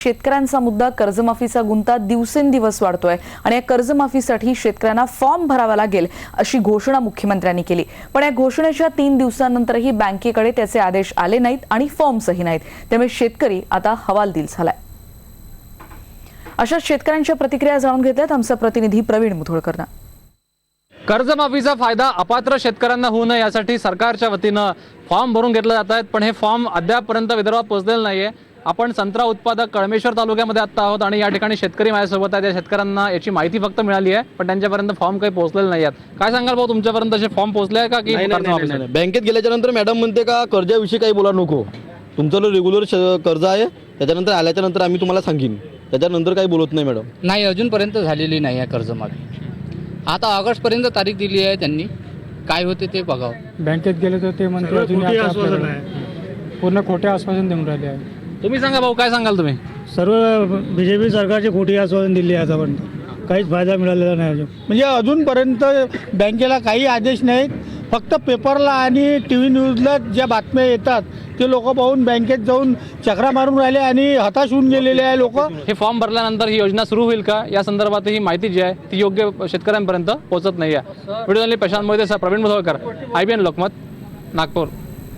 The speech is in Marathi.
शेतकऱ्यांचा मुद्दा कर्जमाफीचा गुंता दिवसेंदिवस वाढतोय आणि या कर्जमाफीसाठी शेतकऱ्यांना फॉर्म भरावा लागेल अशी घोषणा मुख्यमंत्र्यांनी केली। पण या घोषणेच्या 3 दिवसांनंतरही बँकेकडे त्याचे आदेश आले नाहीत आणि फॉर्मसही नाहीत। त्यामुळे शेतकरी आता हवालदिल झालाय। अशा शेतकऱ्यांच्या प्रतिक्रिया जाणून घेतल्यात आमचा प्रतिनिधी प्रवीण मुधोळकरनं। कर्जमाफीचा फायदा अपात्र शेतकऱ्यांना होऊ नये यासाठी सरकारच्या वतीनं फॉर्म भरून घेतले जात आहेत, पण हे फॉर्म अद्यापपर्यंत विदर्भात पोहोचलेले नाहीये। आपण संत्रा उत्पादक कळमेश्वर तालुक्यामध्ये आता आहोत आणि या ठिकाणी शेतकरी माझ्यासोबत आहेत। या शेतकऱ्यांना याची माहिती फक्त मिळाली आहे, पण त्यांच्यापर्यंत फॉर्म काही पोहोचलेले नाही आहेत। काय सांगाल भाऊ, तुमच्यापर्यंत असे फॉर्म पोहोचले आहे का की नाही? बँकेत गेल्याच्या नंतर मॅडम म्हणते का कर्जाविषयी काही बोला नको, तुमचं रेग्युलर कर्ज आहे, त्याच्यानंतर आल्याच्या नंतर आम्ही तुम्हाला सांगीन, त्याच्यानंतर काही बोलत नाही मॅडम। नाही, अजूनपर्यंत झालेली नाही आहे कर्जमाफी। आता ऑगस्टपर्यंत तारीख दिली आहे त्यांनी, काय होते ते बघावं। बँकेत गेले तर ते म्हणते अजून पूर्ण खोटे आश्वासन देऊन राहिले आहे। तुम्ही सांगा भाऊ, काय सांगाल तुम्ही? सर्व बीजेपी सरकारची खोटी आश्वासन दिली आहे, आतापर्यंत काहीच फायदा मिळालेला नाही अजून। म्हणजे अजूनपर्यंत बँकेला काही आदेश नाहीत, फक्त पेपरला आणि टी व्ही न्यूजला ज्या बातम्या येतात ते लोक पाहून बँकेत जाऊन चक्रा मारून राहिले आणि हताश होऊन गेलेले आहे लोक। हे फॉर्म भरल्यानंतर ही योजना सुरू होईल का या संदर्भात ही माहिती जी आहे ती योग्य शेतकऱ्यांपर्यंत पोहोचत नाही आहे। Video Prashant Mohite, Pravin Mudholkar, IBN Lokmat, Nagpur.